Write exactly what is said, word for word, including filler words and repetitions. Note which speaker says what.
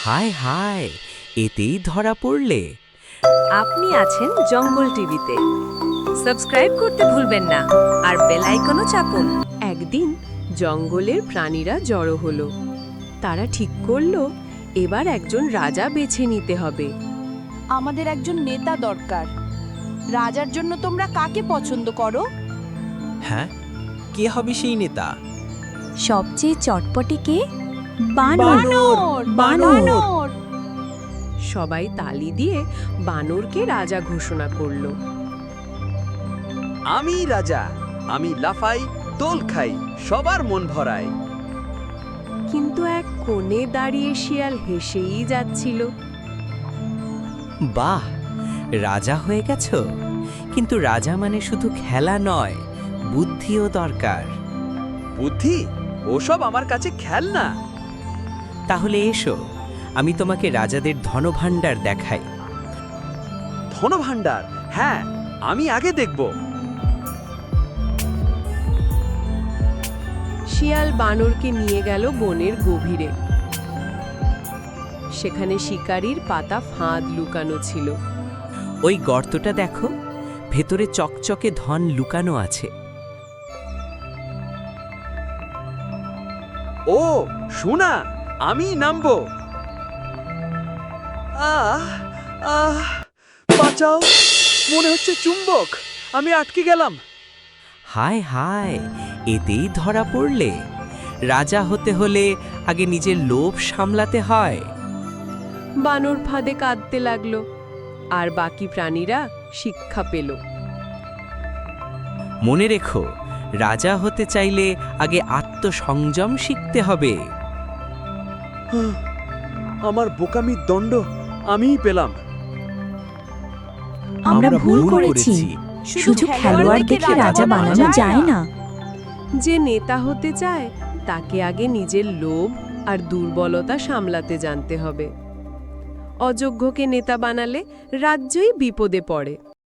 Speaker 1: হায় হায়, এতেই ধরা পড়লে।
Speaker 2: আপনি আছেন জঙ্গল টিভিতে। সাবস্ক্রাইব করতে ভুলবেন না আর বেল আইকনও চাপুন। একদিন জঙ্গলের প্রাণীরা জড়ো হলো। তারা ঠিক করলো এবার একজন রাজা বেছে নিতে হবে।
Speaker 3: আমাদের একজন নেতা দরকার। রাজার জন্য তোমরা কাকে পছন্দ করো?
Speaker 4: হ্যাঁ, কে হবে সেই নেতা?
Speaker 5: সবচেয়ে চটপটে কে?
Speaker 3: বানর, বানর।
Speaker 2: সবাই তালি দিয়ে বানরকে রাজা ঘোষণা করলো।
Speaker 6: আমি রাজা, আমি লাফাই, দোল খাই, সবার মন ভরাই।
Speaker 2: কিন্তু এক কোণে দাঁড়িয়ে শিয়াল হেসেই যাচ্ছিল।
Speaker 1: বাহ, রাজা হয়ে গেছ, কিন্তু রাজা মানে শুধু খেলা নয়, বুদ্ধিও দরকার।
Speaker 6: বুদ্ধি? ওসব আমার কাছে খেলনা।
Speaker 1: তাহলে এসো, আমি তোমাকে রাজাদের ধনভাণ্ডার দেখাই।
Speaker 6: ধনভাণ্ডার? হ্যাঁ, আমি আগে দেখব।
Speaker 2: শিয়াল বানরকে নিয়ে গেল বনের গভীরে। সেখানে শিকারীর পাতা ফাঁদ লুকানো ছিল।
Speaker 1: ওই গর্তটা দেখো, ভেতরে চকচকে ধন লুকানো আছে।
Speaker 6: ও শোনা, আমি নামবো। আহ আহ বাঁচাও, মনে হচ্ছে চুম্বক, আমি আটকে গেলাম।
Speaker 1: হায় হায়, এতেই ধরা পড়লে। রাজা হতে হলে আগে নিজের লোভ সামলাতে হয়।
Speaker 2: বানর ফাঁদে কাঁদতে লাগলো, আর বাকি প্রাণীরা শিক্ষা পেল।
Speaker 1: মনে রেখো, রাজা হতে চাইলে আগে আত্মসংযম শিখতে হবে।
Speaker 6: আমার বোকামির দণ্ড আমিই পেলাম।
Speaker 5: আমরা ভুল করেছি। শুধু খেলোয়াড় দেখে রাজা বানানো যায় না।
Speaker 2: যে নেতা হতে চায় তাকে আগে নিজের লোভ আর দুর্বলতা সামলাতে জানতে হবে। অযোগ্যকে নেতা বানালে রাজ্যই বিপদে পড়ে।